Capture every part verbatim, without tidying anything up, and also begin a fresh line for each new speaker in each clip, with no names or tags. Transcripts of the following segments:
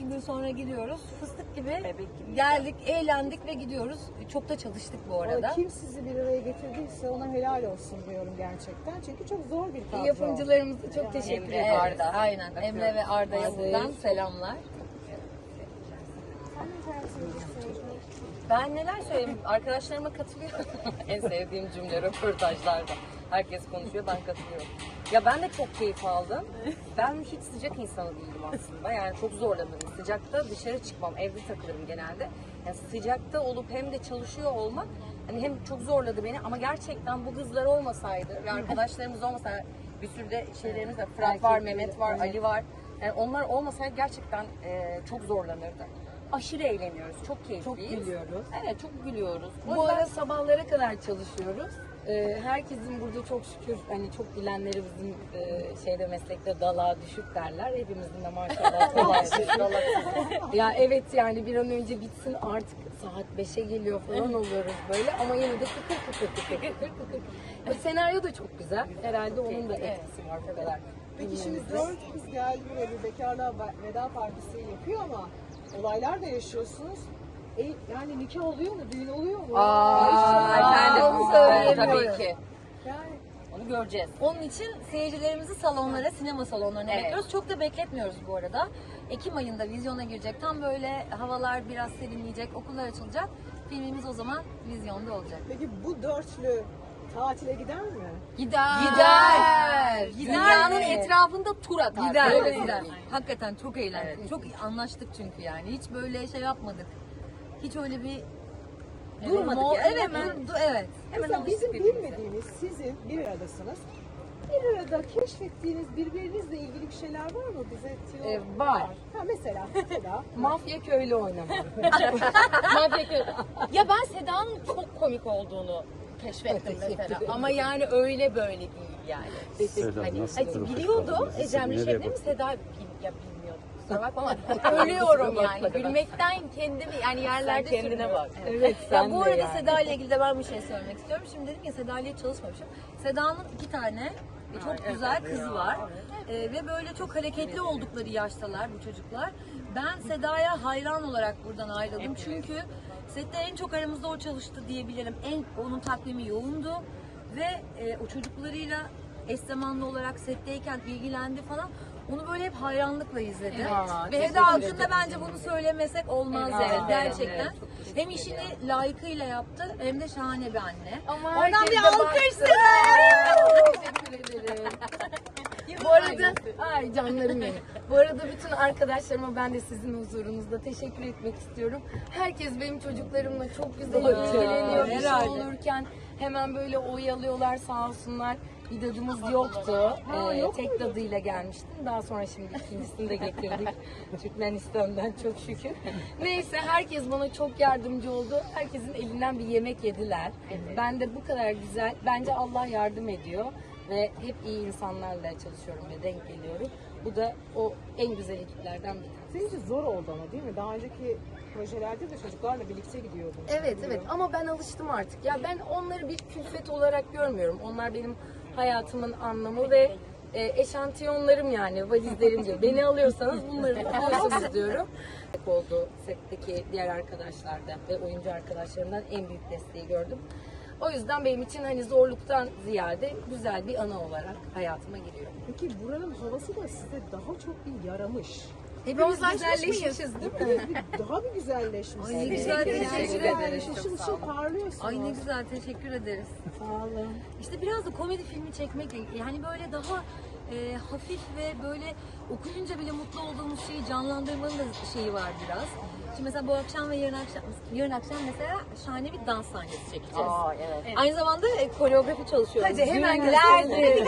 iki gün sonra gidiyoruz. Fıstık gibi
Bebek gibi.
geldik, eğlendik ve gidiyoruz. Çok da çalıştık bu arada.
Ama kim sizi bir araya getirdiyse ona helal olsun diyorum gerçekten. Çünkü çok zor bir kadro.
Yapımcılarımıza çok teşekkür
Emre,
ederiz.
Arda.
Aynen. Emre ve Arda'ya
Aziz.
buradan selamlar. Ben neler söyleyeyim? Arkadaşlarıma katılıyorum. En sevdiğim cümle röportajlarda. Herkes konuşuyor, ben katılıyorum. Ya ben de çok keyif aldım. Ben hiç sıcak insanı değilim aslında. Yani çok zorlanırım. Sıcakta dışarı çıkmam, evde takılırım genelde. Yani sıcakta olup hem de çalışıyor olmak hani hem çok zorladı beni ama gerçekten bu kızlar olmasaydı ve arkadaşlarımız olmasaydı, bir sürü de şeylerimiz var. Fırat var, Mehmet var, Ali var. Yani onlar olmasaydı gerçekten e, çok zorlanırdı. Aşırı eğleniyoruz, çok keyifliyiz.
Çok gülüyoruz.
Evet, çok gülüyoruz. O
Bu
yüzden-
ara sabahlara kadar çalışıyoruz. Ee, herkesin burada çok şükür hani çok bilenleri bizim e, şeyde meslekte dalağa düşük derler. Hepimizin de maşallah dalağı dalak. Ya evet yani bir an önce bitsin artık saat beşe geliyor falan oluyoruz böyle ama yine de kıkır kıkır kıkır kıkır kıkır. Bu senaryo da çok güzel. Herhalde onun da etkisi var bu kadar.
Peki şimdi
dinlememizde.
dört kız geldi buraya bir bekarlığa veda partisi yapıyor ama olaylar da yaşıyorsunuz. E, yani nikah oluyor mu? Düğün oluyor mu?
Aa,
Efendim,
onu
söyleyemiyorum. Tabii ki.
Yani
Onu göreceğiz.
Onun için seyircilerimizi salonlara, sinema salonlarına
Evet.
bekliyoruz. Çok da bekletmiyoruz bu arada. Ekim ayında vizyona girecek. Tam böyle havalar biraz serinleyecek, okullar açılacak. Filmimiz o zaman vizyonda olacak.
peki bu dörtlü tatile gider mi?
Gider.
Gider.
Dünyanın
Gider.
etrafında tur atar.
Gider.
Öyle
Evet.
gider. Hakikaten çok eğlendik.
Evet.
Çok anlaştık çünkü yani. Hiç böyle şey yapmadık. Hiç öyle bir
Durmadık
Mol-
yani,
Evet,
hemen-
durdu, evet. Hemen
Mesela
alıştık
bizim
birbirimize.
bilmediğimiz, sizin bir aradasınız. Bir arada keşfettiğiniz birbirinizle ilgili bir şeyler var mı bize? Tiyo-
Ee, var.
Ha mesela, mesela.
Mafya köylü oynamak.
Ya ben Seda'nın çok komik olduğunu keşfettim mesela. Ama yani öyle böyle değil yani.
Seda,
Hani,
nasıl
hani
profesyonel
biliyordum
birisi?
Ecem'le
Nereye
Şebnem'i,
bakıyorsun?
Seda bil, ya bilmiyordum. Kusura bakma ama ölüyorum yani. Gülmekten kendimi yani yerlerde
Sen kendine
sürünüyorum.
bak.
Evet
Ya
sen
bu
de
arada
yani.
Seda ile ilgili de ben bir şey söylemek istiyorum. Şimdi dedim ya Seda ile hiç çalışmamışım. Seda'nın iki tane e, çok güzel kızı var. E, ve böyle çok hareketli oldukları yaştalar bu çocuklar. Ben Seda'ya hayran olarak buradan ayrıldım. Çünkü sette en çok aramızda o çalıştı diyebilirim. En onun takvimi yoğundu ve e, o çocuklarıyla eş zamanlı olarak setteyken ilgilendi falan. Onu böyle hep hayranlıkla izledim.
Ya,
Ve Eda hakkında bence bunu söylemesek olmaz
Evet,
yani
evet,
gerçekten.
evet, çok teşekkür
Hem işini layıkıyla yaptı hem de şahane bir anne.
Ama
Oradan
herkes
bir
de
alkış
baktı. Teşekkür ederim. Bu arada, ay canlarım benim. Bu arada bütün arkadaşlarıma ben de sizin huzurunuzda teşekkür etmek istiyorum. Herkes benim çocuklarımla çok güzel ilgileniyor. Bir şey
herhalde.
olurken hemen böyle oyalıyorlar sağ olsunlar. Bir dadımız yoktu. Ee, tek dadıyla gelmiştim. Daha sonra şimdi ikincisini de getirdik. Türkmenistan'dan çok şükür. Neyse herkes bana çok yardımcı oldu. Herkesin elinden bir yemek yediler. Ben de bu kadar güzel. Bence Allah yardım ediyor. Ve hep iyi insanlarla çalışıyorum ve denk geliyorum. Bu da o en güzel ekiplerden bir tanesi.
Senin için zor oldu ama değil mi? Daha önceki projelerde de çocuklarla birlikte gidiyordun.
Evet evet ama ben alıştım artık. Ya ben onları bir külfet olarak görmüyorum. Onlar benim hayatımın anlamı ve e, eşantiyonlarım yani valizlerim diyor. Beni alıyorsanız bunları da alıyorsunuz diyorum. Oldu setteki diğer arkadaşlardan ve oyuncu arkadaşlarımdan en büyük desteği gördüm. O yüzden benim için hani zorluktan ziyade güzel bir ana olarak hayatıma giriyor.
Peki buranın havası da size daha çok bir yaramış.
Hepimiz güzelleşmişiz değil mi?
Hepiniz bir, daha bir güzelleşmişsiniz.
Ay ne güzel,
Hepiniz
teşekkür
yani
ederiz.
Işıl ışıl parlıyorsunuz.
Ay ne güzel, teşekkür ederiz.
Sağ olun.
İşte biraz da komedi filmi çekmekle yani böyle daha e, hafif ve böyle okuyunca bile mutlu olduğumuz şeyi canlandırmanın da şeyi var biraz. Şimdi mesela bu akşam ve yarın akşam, yarın akşam mesela şahane bir dans sahnesi çekeceğiz.
Aa, evet.
Aynı zamanda e, koreografi çalışıyoruz.
Hadi hemen
Günlerdir.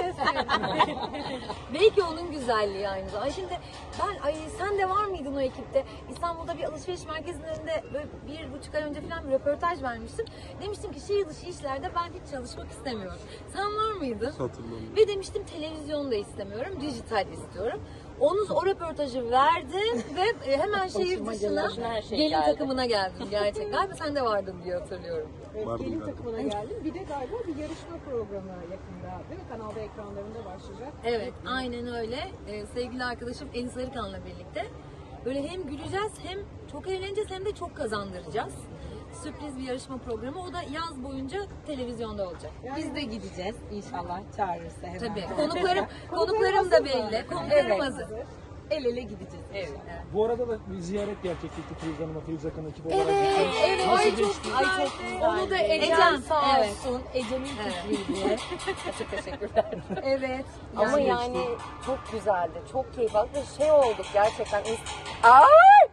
Belki onun güzelliği aynı zamanda. Ay şimdi ben, ay sen de var mıydın o ekipte? İstanbul'da bir alışveriş merkezinin önünde böyle bir buçuk ay önce falan bir röportaj vermiştim. Demiştim ki şehir dışı işlerde ben hiç çalışmak istemiyorum. Sen var mıydın?
Hatırlamıyorum.
Ve demiştim televizyonda istemiyorum, dijital istiyorum. Onun o röportajı verdim ve e, hemen şehir dışına
Başına her şey
gelin
geldi.
takımına geldim gerçekten. Galiba sen de vardın diye hatırlıyorum.
Evet,
Vardım
gelin
ben.
takımına geldim. Bir de galiba bir yarışma programı yakında değil mi? Kanalda ekranlarında başlayacak.
Evet, aynen öyle. Ee, sevgili arkadaşım Elin Sarıkan'la birlikte
Böyle hem güleceğiz hem çok eğleneceğiz hem de çok kazandıracağız. Sürpriz bir yarışma programı. O da yaz boyunca televizyonda olacak.
Biz de gideceğiz inşallah çağırırsa hemen.
Tabii. Konuklarım, konuklarım da belli. Konuklarım
Evet.
hazır.
El ele gideceğiz.
Evet.
Bu arada da bir ziyaret gerçekleşti Firuze Hanım'a, Firuze Akın ekibi olarak.
Evet, evet.
Nasıl
Ay çok
geçti?
güzel.
Ay çok güzel.
Onu da Ecem,
Ecem,
Sağ
evet.
olsun. Ecem'in fikriydi.
Çok teşekkürler.
Evet.
Ama
Yani-
yani çok güzeldi. Çok keyif aldık ve şey olduk gerçekten. Ay!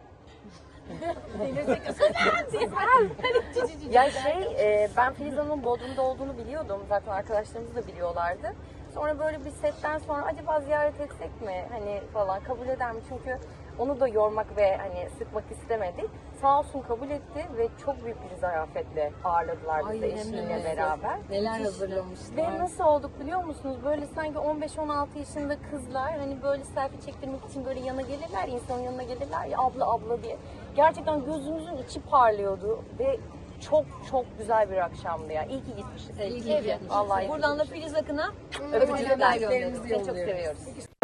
Ya şey, e, ben Filiz Hanım'ın Bodrum'da olduğunu biliyordum. Zaten arkadaşlarımız da biliyorlardı. Sonra böyle bir setten sonra acaba ziyaret etsek mi? Hani falan kabul eder mi? Çünkü onu da yormak ve hani sıkmak istemedik. Sağ olsun kabul etti ve çok büyük bir zarafetle ağırladılar bizi
Ay, hem de
eşiyle
nasıl?
beraber.
Neler hazırlamışlar.
Ve nasıl olduk biliyor musunuz? Böyle sanki on beş on altı yaşında kızlar hani böyle selfie çektirmek için böyle yana gelirler, insanın yanına gelirler ya abla abla diye. Gerçekten gözümüzün içi parlıyordu ve çok çok güzel bir akşamdı ya. İyi ki gitmişiz.
İyi ki gitmişiz.
Vallahi iyi ki
Buradan da
gitmişiz.
Filiz Akın'a
Öpücükler
öpücükler
gönderiyoruz.
gönderiyoruz.
Seni çok seviyoruz.